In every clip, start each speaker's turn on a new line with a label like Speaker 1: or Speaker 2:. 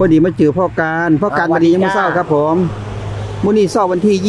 Speaker 1: อดีมาเจอพ่อการวันนี้ยังไม่เศร้าครับผมมื้อนี้เศร้าวันที่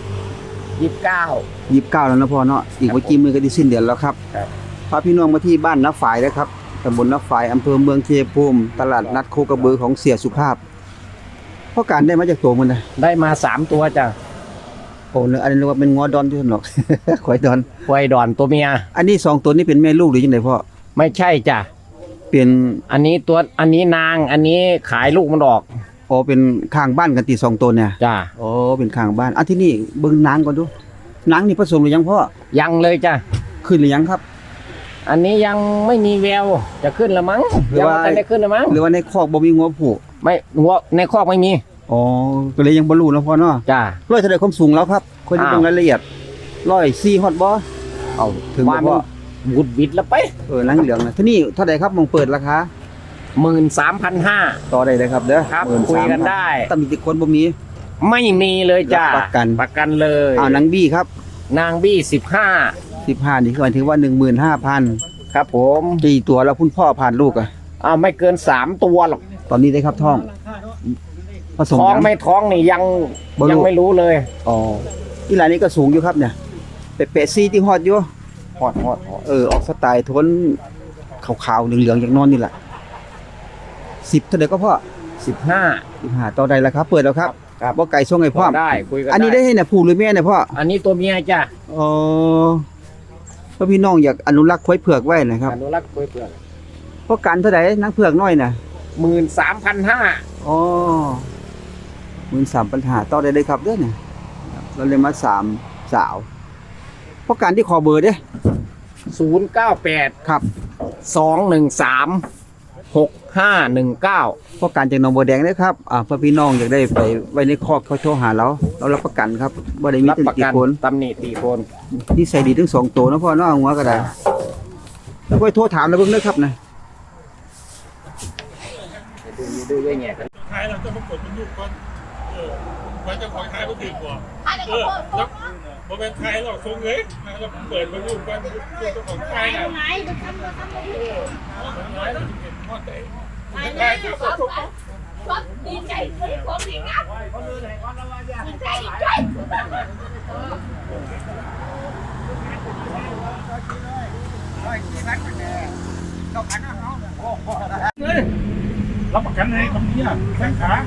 Speaker 1: 29แล้วนะพ่อเนาะอีกไม่กี่มื้อก็ได้สิ้นเดือนแล้วครับพาพี่น้องมาที่บ้านน้าฝายนะครับตำบลน้าฝายอำเภอเมืองชัยภูมิตลาดนัดโคกระบือของเสียสุภาพพ่อการได้มาจากตัวมันนะ
Speaker 2: ได้มา3ตัวจ้ะ
Speaker 1: โอ้อันนี้เรียกว่าเป็นงอดอนที่ท่านหรอกควายดอน
Speaker 2: ควายดอนตัวเมีย
Speaker 1: อันนี้2ตัวนี้เป็นแม่ลูกหรือยังไงพ่อ
Speaker 2: ไม่ใช่จ้ะ
Speaker 1: เป็น
Speaker 2: อันนี้นางอันนี้ขายลูกมันออก
Speaker 1: อ๋อเป็นข้างบ้านกันตี2ตัวเนี่ย
Speaker 2: จ้ะ
Speaker 1: อ๋อเป็นข้างบ้านอันที่นี่เบิ่งนางก่อนดูนางนี่ผสมหรือยังพ่อ
Speaker 2: ยังเลยจ้ะ
Speaker 1: ขึ้นหรือยังครับ
Speaker 2: อันนี้ยังไม่มีแววจะขึ้นละมั้งยังไม่ได้ขึ้นละมั้ง
Speaker 1: หรือว่าในคอกบ่มีงัวผูก
Speaker 2: ไม่งัวในคอกไม่มี
Speaker 1: อ๋อก็เลยยังบ่รู้นะพ่อเนาะ
Speaker 2: จ้ะ
Speaker 1: ร้อยเท่าใดความสูงแล้วครับคนที่เบิ่งรายละเอียด104ฮอดบ่
Speaker 2: เอาถึงว่าบุดบิดแล้วไป
Speaker 1: นางเหลืองนะที่นี่เท่าใดครับมองเปิดราคา
Speaker 2: 13,500
Speaker 1: ต่อได้เลยครับเด้อ
Speaker 2: ครับคุยกันได้
Speaker 1: ตำหนิติคนบ่มี
Speaker 2: ไม่มีเลยจ้ะ
Speaker 1: ประ
Speaker 2: กันเลย
Speaker 1: นางบี้ครับ
Speaker 2: นางบี้
Speaker 1: 15นี่คือหมายถึงว่า 15,000
Speaker 2: ครับผม
Speaker 1: กี่ตัวแล้วคุณพ่อผ่านลูกอ่ะ
Speaker 2: ไม่เกิน3ตัวหรอก
Speaker 1: ตอนนี้ได้ครับท้องผสม
Speaker 2: ท้องไม่ท้องนี่ยังไม่รู้เลย
Speaker 1: อ๋ออีหลานนี้ก็สูงอยู่ครับเนี่ยเป๊ะๆซีที่ฮอดอยู่
Speaker 2: ฮอด
Speaker 1: ออกสไตล์ทนขาวๆเหลืองๆอย่างนอนนี่แหละ10เท่าใดก็พ่อ15ต่อได้แล้วครับเปิดแล้วครับบ่ไก่ส่งให้พ่อ
Speaker 2: ได้คุยกัน
Speaker 1: อันนี้ได้ให้เนี่ยผู้หรือแม่เนี่ยพ่อ
Speaker 2: อันนี้ตัวเมียจ้ะ
Speaker 1: อ๋อเพราะพี่น้องอยากอนุรักษ์ควายเผือกไว้นะครับ
Speaker 2: อนุรักษ์ควายเผือก
Speaker 1: เพราะกันเท่าใดนางเผือกน้อยน่ะ
Speaker 2: 13,500
Speaker 1: อ๋อ13,500ต่อได้เลยครับเด้อเนี่ยเราเลยมา3สาวเพราะการที่ขอเบอร์เด้
Speaker 2: 098
Speaker 1: ครับ
Speaker 2: 213 6519
Speaker 1: เพราะการจากหนองบัวแดงเด้อครับเพื่อพี่น้องอยากได้ไปไว้ในคอกเขาโทรหาเรารับประกันครับบ่ได้มีติคน
Speaker 2: ตำหนิตีคน
Speaker 1: นี่ใส่ดีทั้ง2ตัวนะพ่อเนาะหัวก็ได้แล้วค่อยโทรถามแล้วเบิ่งเด้อครับนะ
Speaker 2: ดูด้วยแง่กัน
Speaker 3: ท้ายเราจะมากดมันยุบก่อนไว้จะคอยท้ายมันถึงกว่าแล้วโมเมนต์ท้ายเราทรงเลยเราเปิดมันยุบก่อนเจ้าของท้ายน่ะ
Speaker 4: ดีใจของดีงามดีใจ
Speaker 3: รับประกันให้คำนี้แข้งขา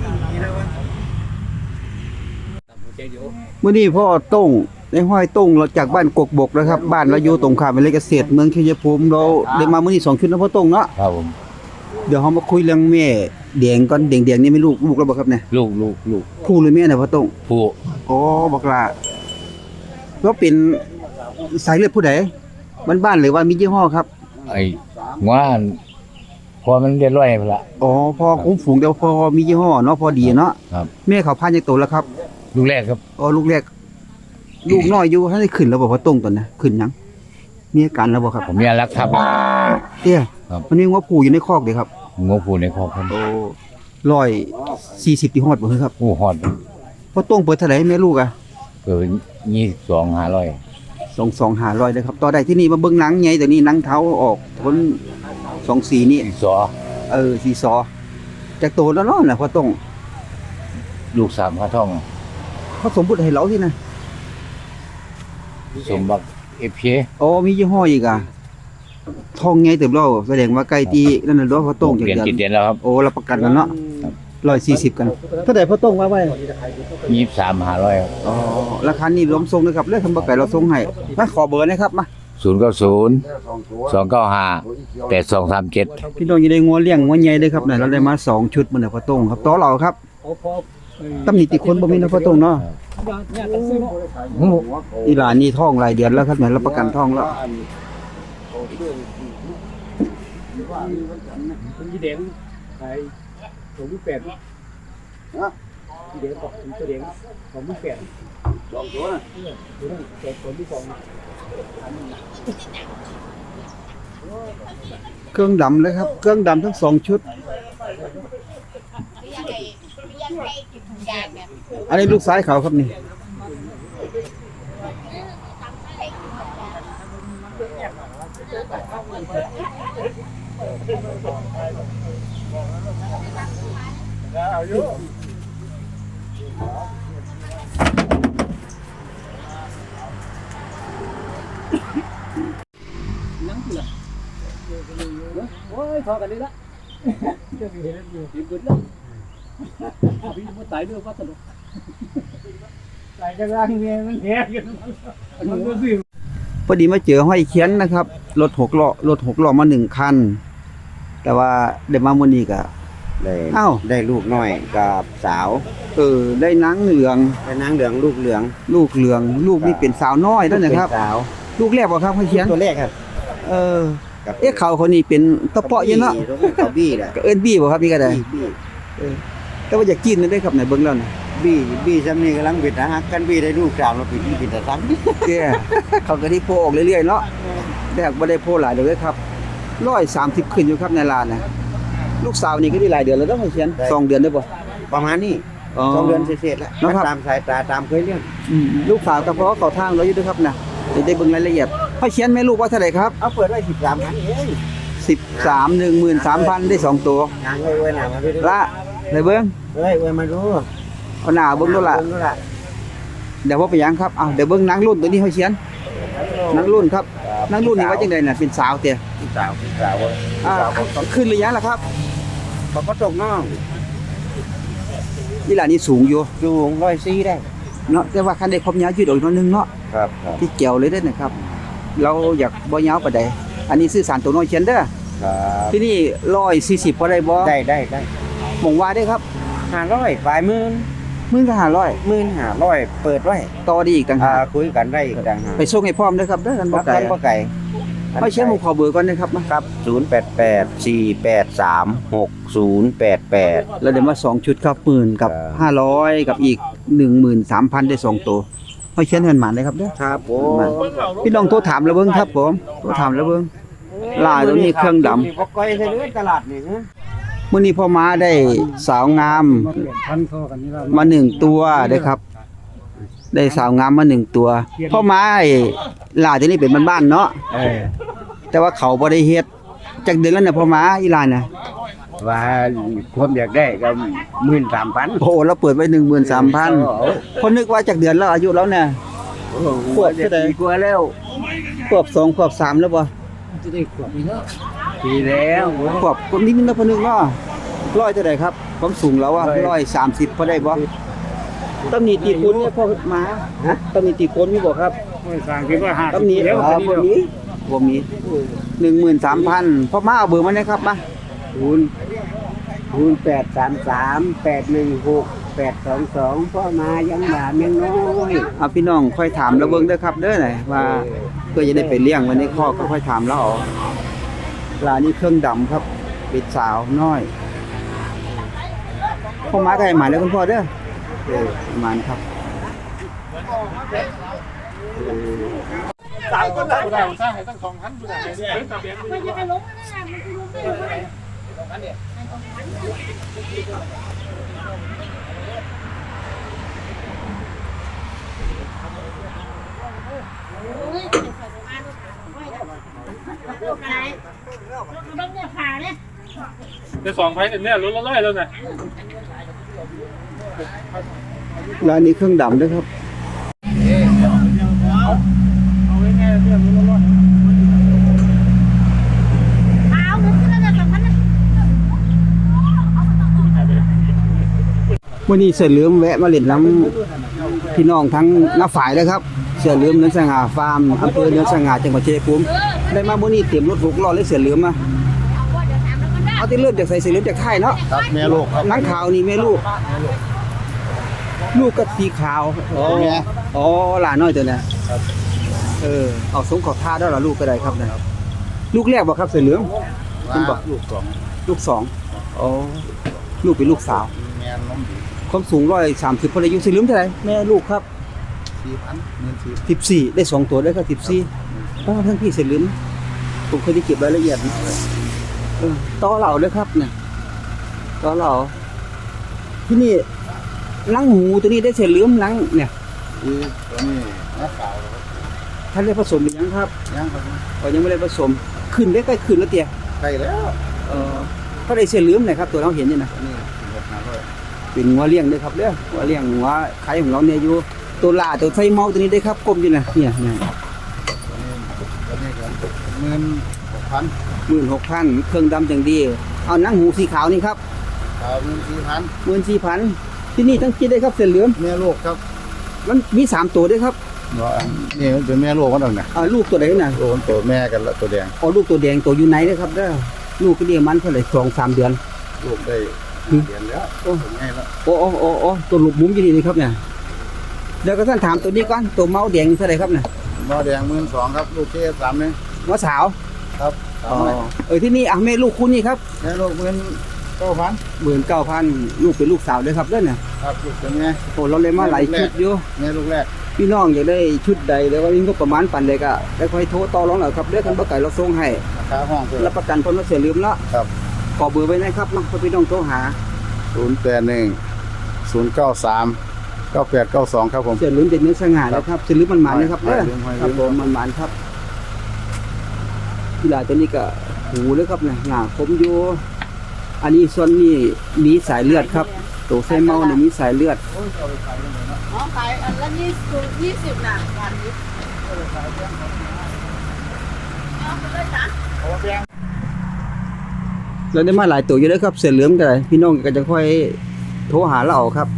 Speaker 1: มื้อนี้พ่อต้งได้ห้อยต้งเราจากบ้านกกบกนะครับบ้านเราอยู่ตรงข้ามวิเลยเกษตรเมืองชัยภูมิเราได้มามื้อนี้2ชุดนะพ่อต้งเนาะ
Speaker 2: ครับผม
Speaker 1: เดี๋ยวเฮามาคุยเรื่องแม่แดงก่อนแดงๆนี่ไม่ลูกแล้วบ่ครับเนี่ย
Speaker 2: ลูก
Speaker 1: ผู้หรือแม่น่ะพ่อต้ง
Speaker 2: ผู้
Speaker 1: อ๋อบักล่ะแล้วเป็นสายเลือดผู้ใดบ้านๆหรือว่ามียี่ห้อครับ
Speaker 2: ไอ้ว่าพอมันเรียบร้อยพุ่นล่ะ
Speaker 1: อ๋อพอคุ้มฝูงเดี๋ยวพอมียี่ห้อเนาะพอดีเนาะ
Speaker 2: ครับ
Speaker 1: แม่เขาพานจักโตแล้วครับ
Speaker 2: ลูกแรกครับ
Speaker 1: อ๋อลูกแรกลูกน้อยอยู่ให้ได้ขึ้นแล้วบ่พ่อต้งตอนน่ะขึ้นยังมีอาการแล้วบ่ครับ
Speaker 2: ผมเนี่ยรักครับ
Speaker 1: เตี้ยมันมีงัวผู้อยู่ในคอกเด้ครับ
Speaker 2: งัวผู้ในคอกครับ
Speaker 1: โอ้140ที่ฮอดบ่ครับ
Speaker 2: โอ้ฮอด
Speaker 1: พ่อต้งเปิดเท่าไหร่แม่ลูกอ่ะ
Speaker 2: เปิด22,500
Speaker 1: 22,500เลยครับต่อได้ที่นี่มาเบิ่งหนังใหญ่แต่นี่หนังเท้าออกทน24นี่
Speaker 2: สอ
Speaker 1: สีซอจากโตแล้วเนาะน่ะพ่อต้ง
Speaker 2: ลูก3พระท่อง
Speaker 1: เขาสมบุติให้เราที่นะ
Speaker 2: สมบัติFK
Speaker 1: อ๋อมียี่ห้ออีกอ่ะทองไงเติบโตแสดงว่าใกล้ที่นั่นน่ะเนาะพ่อต้ง
Speaker 2: จากเดือนแล้วครับ
Speaker 1: โอ้รับประกันกันเนาะ140กันเท่าใดพ่อต้งว่าไว้
Speaker 2: 23,500ครับ
Speaker 1: อ๋อราคานี้รวมส่งนะครับเลยทำบ่ไก่เราส่งให้มาขอเบอร์นะครับมา
Speaker 2: 090 295 8237
Speaker 1: พี่น้องอยู่ได้งัวเลี้ยงงัวใหญ่เด้อครับน่ะเราได้มา2ชุดมื้อน่ะพ่อต้งครับต่อเราครับตำหนิติคนบ่มีนะพ่อต้งเนาะอีหลานนี่ท้องหลายเดือนแล้วครับเนี่ยรับประกันท้องแล้ว
Speaker 3: ยี่เด้งขาย28ยี่เด้งบอกตัวเด้ง28 2ตัวนะตัวคนที่2
Speaker 1: เครื่องดำเลยครับเครื่องดำทั้ง2ชุดอันนี้ลูกซ้ายเขาครับนี่
Speaker 3: นั่งกูละโอ้ยพอกันเลยละจะมีเห็นอยู่ที่บุญละพี่มันตายด้วยว่าตลกตายกันร่างเงี้ยมันแหกกันมันก็สิ
Speaker 1: พอดีมาเจอห้อยเขียนนะครับรถ6 ล้อมา1คันแต่ว่าได้มามื้อนี้ก็
Speaker 5: ได้
Speaker 1: อ้าว
Speaker 5: ได้ลูกน้อยกับสาว
Speaker 1: ได้หนังเหลือง
Speaker 5: ได้นางเหลืองลูกเหลือง
Speaker 1: ลูกเหลืองลูกนี่เป็นสาวน้อยแล้วนะครับ
Speaker 5: เป็นสาว
Speaker 1: ลูกแรกบ่ครับห้อยเขียน
Speaker 5: ตัวแรกครับ ครับ
Speaker 1: เขาคนนี้เป็นตะเปาะอยู่เนาะ
Speaker 5: เขาบี้แหละ
Speaker 1: ก็เอิ้นบี้บ่ครับนี่ก็ได้
Speaker 5: บี้
Speaker 1: แต่ว่าอยากกินนั่นได้ครับไหนเบิ่งแล้วนะ
Speaker 5: บี้ซ้ำนี่กำลังบิดนะฮะกันบี้ได้ลูกสาวเราบิดแต่ซ้ำ
Speaker 1: แกเขาก็ที่โพออกเรื่อยๆเนาะแต่บ่ได้โพหลายเดือนเลยครับ130ขึ้นอยู่ครับในร้านนะลูกสาวนี่ก็ได้หลายเดือนแล้วเนาะห้อยเขียน2 เดือนได้บ่
Speaker 5: ประมาณนี้
Speaker 1: อ๋อ
Speaker 5: 2 เดือนเศษๆแล้ว
Speaker 1: นะครับ
Speaker 5: ตามสายตาตามเคยเรื่อง
Speaker 1: ลูกสาวก็เพราะเขาทางเราอยู่ด้วยครับนะจะได้เบิ่งรายละเอียดห้อยเขียนแม่ลูกว่าเท่าไหร่ครับ
Speaker 5: เอาเปิดไว้13พันเอง
Speaker 1: 13 13,000ได้2ตัว
Speaker 5: งานไว้หน้ามาพี่
Speaker 1: ละได้เบิ่ง
Speaker 5: เฮ้ยไว้มาดู
Speaker 1: เอาหน้าเบิ่งดูล่ะ
Speaker 5: เบิ่งดูล่ะ
Speaker 1: เดี๋ยวว่าไปหยังครับเดี๋ยวเบิ่งนางรุ่นตัวนี้ห้อยเขียนนางรุ่นครับนางรุ่นนี่ว่าจังได๋น่ะเป็นสาวเตี้ย
Speaker 5: สาวเว้ย
Speaker 1: ขึ้นหรือยังล่ะครับ
Speaker 5: เขาก็ตกน้อง
Speaker 1: นี่ล่ะนี่สูงอยู่
Speaker 5: สูง104ได้
Speaker 1: เนาะแต่ว่าคันได้ความยาวยืดออกหน่อยนึงเนาะ
Speaker 5: ครับครับ
Speaker 1: ที่เกี่ยวเลยเด้อนะครับ เราอยากบ่ยาวปานใดอันนี้ซื้อสารตัวน้อยเขียนเด้อ
Speaker 5: ครับ
Speaker 1: ที่นี่140พอได้บ่
Speaker 5: ได้
Speaker 1: หมองว่าได้ครับ
Speaker 5: 500ปลายหมื่น
Speaker 1: มื้อก็500
Speaker 5: 15,000เปิดไว้
Speaker 1: ต่อดีอีกต่างหาก
Speaker 5: คุยกันได้อีกต่างหาก
Speaker 1: ไปส่งให้พร้อมเด้อครับเด้อกันบ่
Speaker 5: รับ
Speaker 1: ไกล
Speaker 5: กันบ่ไก่
Speaker 1: ไม่เชื่อผมขอเบอร์ก่อนนะครับมา
Speaker 5: ครับ0884836088
Speaker 1: แล้วเดี๋ยวมา2ชุดครับ10,000กับ
Speaker 5: ครับ
Speaker 1: 500กับอีก 13,000ได้2ตัวไม่เชื่อให้มันหมานเลยครับเด้อ
Speaker 5: ครับผม
Speaker 1: พี่น้องโทรถามแล้วเบิ่งครับผมโทรถามแล้วเบิ่งลายตัวนี้เครื่องดำ
Speaker 5: บ่ก้อยใส่เลยตลาดนี่ฮะ
Speaker 1: มื้อนี้พ่อม้าได้สาวงาม
Speaker 3: มาเปลี่ยนพันเข้ากันนี่แล้ว
Speaker 1: มา1ตัวเด้อครับ ได้สาวงามมา1ตัวพ่อม้าไอ้ลายตัวนี้เป็นบ้านๆเนาะแต่ว่าเขาบ่ได้เฮ็ดจักเดือนแล้วเนี่ยพ่อม้าอีหลานน่ะ
Speaker 5: ว่าความอยากได้ก็ 13,000
Speaker 1: โอ้โหเราเปิดไว้ 13,000คนนึกว่าจักเดือนแล้วอายุแล้วเนี่ย ขวบเท่าใด
Speaker 5: ปีกว่าแล้ว
Speaker 1: ขวบ2ขวบ3แล้วบ่
Speaker 3: จะได้ขวบอีกแล้ว
Speaker 5: ปีแล้ว
Speaker 1: ขวบคนนิดนึงนะพอนึกเนาะร้อยเท่าไหร่ครับความสูงแล้วอ่ะ130พอได้บ่ต้องมีตีโคนเนี่ยพ่อมาฮะต้องมีตีโคนมีบ่ครับ
Speaker 3: ไม่สร้างคิดว่าหา
Speaker 1: ต้องมี
Speaker 3: เดี๋ยว
Speaker 1: บ่มีบ่มี 13,000พ่อมาเอาเบอร์มาได้ครับมา
Speaker 5: 0833816822พ่อมายังหลานยังน้อย
Speaker 1: เอาพี่น้องค่อยถามแล้วเบิ่งเด้อครับเด้อหน่อยว่าเพื่อจะได้ไปเลี้ยงไว้ในคอกก็ค่อยถามแล้วเอาลานี่เครื่องดำครับเป็นสาวน้อยพ่อมาก็ให้หมายแล้วคุณพ่อเด้อประมาณครับ
Speaker 3: สามคนได้สร้างให้ตั้ง2,000บ่ได้
Speaker 6: มันจะไปล้มไม่ได้มันคือล้มไม่ได้ต้องเนี่ยผ่าเนี่ย
Speaker 3: จะ2,000เนี่ยลุ้นละ100แล้วนะ
Speaker 1: ร้านนี้เครื่องดำด้วยครับ
Speaker 3: เอาไว้แน่เรื่องลุ้นละ100
Speaker 6: เอาเงินขึ้นแล้วเนี่ย2,000นะ
Speaker 1: วันนี้เสือเหลือมแวะมาเล่นน้ำพี่น้องทั้งน้าฝ่ายเลยครับเสือเหลือมเนื้อสง่าฟาร์มอำเภอเนื้อสง่าจังหวัดชัยภูมิได้มาวันนี้เตรียมรถ6 ล้อเลยเสือเหลือมมาเอาที่เริ่มจากใส่เสือเหลือมจากไทยเนาะ
Speaker 5: ครับแม่ลูกครับ
Speaker 1: หนังขาวนี่แม่ลูก ลูกก็สีขาวอ๋อหลานน้อยตัวน่ะเอาสงขอท่าได้หรอลูกก็ได้ครับนะลูกแรกบ่ครับเสือเหลือมคุณบอก ลูก2อ๋อลูกเป็นลูกสาว
Speaker 5: แม่น้องดี
Speaker 1: ความสูง130พออายุสิลืมเท่าไหร่แม่ลูกครับ 14ได้2ตัวได้ก็14ต้องทั้งพี่สิลืมผมเคยได้เก็บรายละเอียดต่อเหล่าด้วยครับเนี่ยต่อเหล่าที่นี่ลังหมูตัวนี้ได้เสร็จลืมลังเนี่ย
Speaker 5: ตัวนี้นักข่าว
Speaker 1: ท่านได้ผสมหรือยังครับ
Speaker 5: ยังครับ
Speaker 1: ยังไม่ได้ผสมขึ้นได้ใกล้ขึ้นแล้วเตี้ย
Speaker 5: ใกล้แล้ว
Speaker 1: ก็ได้เสร็จลืมนะครับตัวเราเห็นอยู่นะ
Speaker 5: นี่6,500
Speaker 1: เป็นงัวเลี้ยงเด้อครับเด้องัวเลี้ยงงัวไข่ของเราเนี่ยอยู่ตัวล่าตัวไส้เมาตัวนี้ได้ครับกลมอยู่นะเนี่ย
Speaker 5: ตัวนี้ครับ16,000
Speaker 1: 16,000เครื่องดำจังดีเอาหนังหูสีขาวนี่ครับ
Speaker 5: 14,000
Speaker 1: 14,000ที่นี่ทั้งคิดได้ครับเส้นเหลือง
Speaker 5: แม่ลูกครับ
Speaker 1: มันมี3ตัวด้วยครับ
Speaker 5: นี่มันเป็นแม่ลูกกันน่ะ
Speaker 1: ลูกตัวไหนน่ะ
Speaker 5: ลูกมันตัวแม่กันละตัวแดง
Speaker 1: ลูกตัวแดงตัวอยู่ไหนเด้อครับเด้อลูกก็เดียวมันเท่าไหร่2-3 เดือน
Speaker 5: ลูกได้เดือนแล้วผมให้แล้ว
Speaker 1: โอ้ตัวลูกมุ้มอยู่นี่ครับเนี่ยเดี๋ยวก็ท่านถามตัวนี้ก่อนตัวเมาแดงเท่าไหร่ครับเนี่ย
Speaker 5: หม้อแดง12,000ครับลูกเจ๊3เนี่ย
Speaker 1: หัวสาว
Speaker 5: ครับ
Speaker 1: ที่นี่แม่ลูกคุณนี่ครับ
Speaker 5: แม่ลูก19,000
Speaker 1: 19,000ลูกเป็นลูกสาวเลยครับเด้อเนี่ย
Speaker 5: ครับลูกตัวแม่
Speaker 1: เราเลยมาหลายชุดอยู่
Speaker 5: แม่ลูกแรก
Speaker 1: พี่น้องอยากได้ชุดใดแล้วก็มีงบประมาณปานใดก็ได้ค่อยโทรต่อรองเอาครับเด้อคันบ่ไก่เราส่งให้
Speaker 5: ราคาห้องคือ
Speaker 1: รับประกันพ้นว่าเสียลืมละ
Speaker 5: ครับ
Speaker 1: ขอเบอร์ไว้นะครับเนาะเพื่อพี่น้องโทรหา
Speaker 5: 081 093 9892ครับผม
Speaker 1: เสียลืมเป็นเนื้อสง่านะครับเสียลืมมันหมานนะครับเด้อ
Speaker 5: ห้อยลืม
Speaker 1: ครับผมมันหมานครับกีฬาตัวนี้ก็หูเลยครับเนี่ยหน้าคมอยู่อันนี้ส่วนนี้มีสายเลือดครับตัวไส้เมาเนี่ยมีสายเลือด
Speaker 6: อ๋อขายอันละ20น่ะวันนี้เอาไปเลยจ้ะ
Speaker 1: เราได้มาหลายตัวอยู่แล้วครับเสือเหลืองกันพี่น้องก็จะค่อยโทรหาเราเอาครับ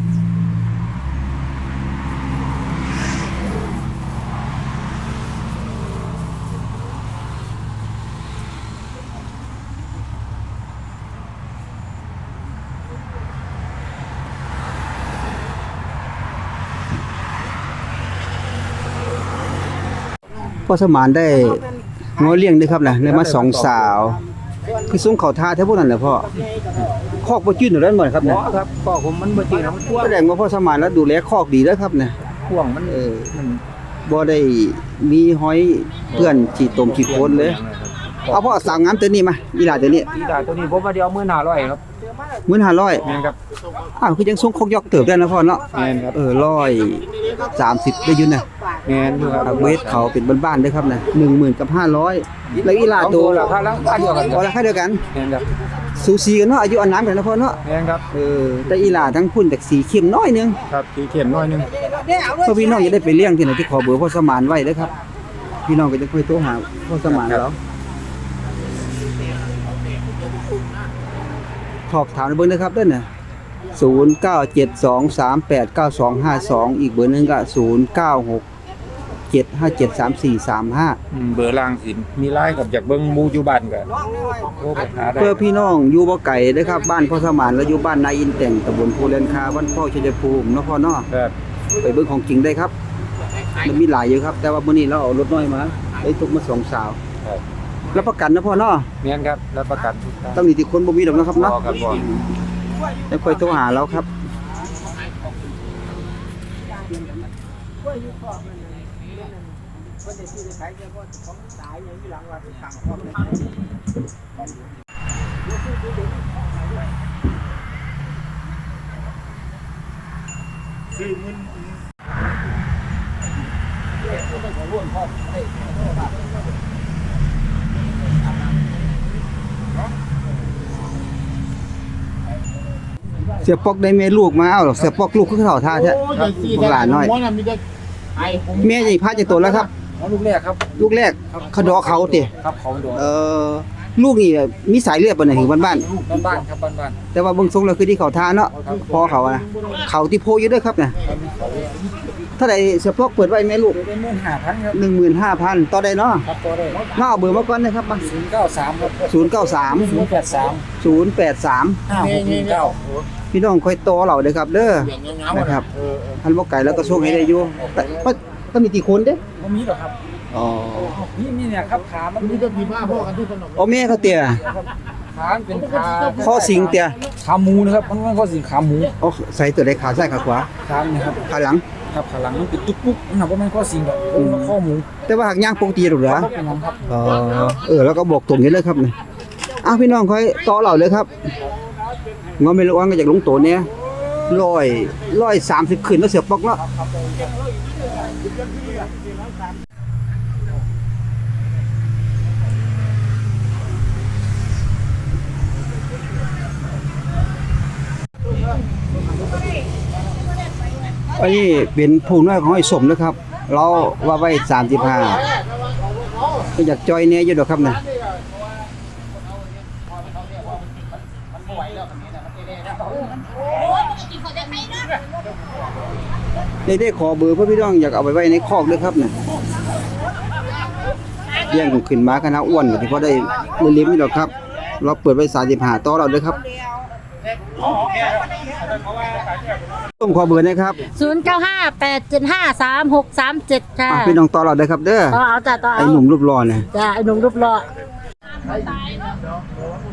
Speaker 1: พ่อสมานได้งอเลี้ยงด้วยครับนะได้มา2 สาวคือส่งเขาท่าแท้พวกนั้นแหละพ่อคอกบ่จืดอยู่แล้วหมดครับเนี่ย
Speaker 2: ครับก็ผมมันบ่จริงนะมันกว้าง
Speaker 1: แสดงว่าพ่อสมานแล้วดูแลคอกดีแล้วครับเนี่ย
Speaker 2: กว้างมัน
Speaker 1: มันบ่ได้มีห้อยเพื่อนฉีดตมฉีดโคนเลยเอาพ่อสาวงามตัวนี้มาอีหลาตัวนี้
Speaker 2: ที่ได้ตัวนี้ผมว่าเดียว15,000ครับ
Speaker 1: 15,000
Speaker 2: แม่นครับ
Speaker 1: คือยังส่งคอกยอกเติบได้นะพ่อเนาะ
Speaker 2: แม่นครับ
Speaker 1: 130ได้อยู่นะ
Speaker 2: แม่นอยู่ครับ
Speaker 1: เวทเขาเป็นบ้านๆเด้อครับนะ10,000กับ500แล้วอีหลา
Speaker 2: ตั
Speaker 1: ตัว ว
Speaker 2: ราคาละเดียวกัน
Speaker 1: พอราคาเดียวกัน
Speaker 2: แม่นครับ
Speaker 1: สูสีกันเนาะอายุอานามกันนะพ่อเนาะ
Speaker 2: แม่นครับ
Speaker 1: แต่อีหลาทั้งพุ่นจากสีเข้มน้อยนึง
Speaker 2: ครับสีเขียนน้อยนึง
Speaker 1: เพื่อพี่น้องจะได้ไปเลี้ยงที่ไหนที่ขอเบอร์พ่อสมานไว้เด้อครับ พี่น้องก็จะค่อยโทรหาพ่อสมานแล้วขอบถามในเบอร์นะครับเด้อน่ะ0972389252อีกเบอร์หนึงก็0967573435
Speaker 2: เบอร์ล่างสิมีไลน์กับจากเบิ่งหมู่อยู่บ้านก็โทรไปหาได้
Speaker 1: เพื่อพี่น้องอยู่บ่ไกลเด้อครับบ้านพ่อสมานและอยู่บ้านนาอินแต่งตำบลภูเรนคาบ้านพ่อชัยภูมิเนาะพ่อเนาะ
Speaker 2: ครับ
Speaker 1: ไปเบิ่งของจริงได้ครับมันมีหลายอยู่ครับ แต่ว่ามื้อนี้เราเอารถน้อยมาได้ทุกมา2 สาว
Speaker 2: ครับ
Speaker 1: รับประกันนะพ่อเนาะ
Speaker 2: แม่นครับรับประกันทุกอย่าง
Speaker 1: ต้องมีที่คนบ่มีดอกนะครับเนาะ
Speaker 2: บ่ครับบ่
Speaker 1: แล้วค่อยโทรหาเราครับเสียปอกได้แม่ลูกมาเอาหรอกเสียปอกลูกคือเขาท่าแท้บักหลานน้อยแม่ใหญ่พาจะโตแล้วครับ
Speaker 2: ลูกแรกครับ
Speaker 1: ลูกแรกเขาดอเขาติ
Speaker 2: ครับเขาโดน
Speaker 1: ลูกนี่มีสายเลือดบ่เนี่ยถึงบ้าน
Speaker 2: บ้านครับบ้าน
Speaker 1: ๆแต่ว่าเบิ่งทรงแล้วคือที่เขาท่าเนาะพ่อเขานะเขาที่โพอยู่เด้อครับเนี่ยเท่าใดเสียปอกเปิดไว้แม่ลูก
Speaker 2: เป็น15,000ครับ
Speaker 1: 15,000ต่อได้เนาะ
Speaker 2: ครับก็ได้
Speaker 1: มาเอาเบอร์มาก่อนนะครับมา
Speaker 2: 093ครับ
Speaker 1: 093
Speaker 2: 083
Speaker 1: 083
Speaker 2: 5619
Speaker 1: พี่น้องค่อยโตเราเด้อครับเด้อนะครับอันบ่ไก่แล้วก็ส่งให้ได้อยู่แต่ก็มีกี่คนเด้
Speaker 2: บ่มีหรอกครับ
Speaker 1: อ๋อ
Speaker 2: นี่เนี่ยครับขามันมีแต่ผีบ้าพ่อกันทุกคน
Speaker 1: โอ้แม่เขาเตี้ย
Speaker 2: ขาเป็นขา
Speaker 1: ข้อสิงเตี้ย
Speaker 2: ขาหมูนะครับมันข้อสิงขาหมู
Speaker 1: โอ้ใส่ตัวใดขาซ้ายขาขวา
Speaker 2: ขาเนี่ยครับ
Speaker 1: ขาหลัง
Speaker 2: ครับขาหลังมันเป็นตุ๊กปุ๊กนะครับว่ามันข้อสิงแบบมันข้อหมู
Speaker 1: แต่ว่าหากย่างปกติหรอกเหรอ
Speaker 2: เป็นของครับ
Speaker 1: แล้วก็บอกตรงนี้เลยครับนี่พี่น้องค่อยต่อเราเลยครับงอไม่ระวังก็จากลงตัวเนี่ย130ขึ้นแล้วเสียปอกเนาะอันนี้เป็นผู้น้อยของไอ้สมนะครับ เราว่าไว้35ก็อยากจอยแหน่อยู่ดอกครับน่ะได้ขอเบอร์เพื่อพี่น้องอยากเอาไปไว้ในคอกด้วยครับน่ะเลี้ยงขึ้นมาคณะอ้วนก็สิพอได้เลี้ยงๆนี่ดอกครับ เราเปิดไว้35ต่อเราเด้อครับต้องขอเบอร์นะครับ
Speaker 6: 0958753637ค่ะ
Speaker 1: พี่น้องต่อเราเด้อครับเด้อ
Speaker 6: ต่อเอาจ้ะต่อ
Speaker 1: ไอ้
Speaker 6: เอา
Speaker 1: หนุ่มรูปหล่อน่ะ
Speaker 6: จ้ะไอ้หนุ่มรูปหล่อ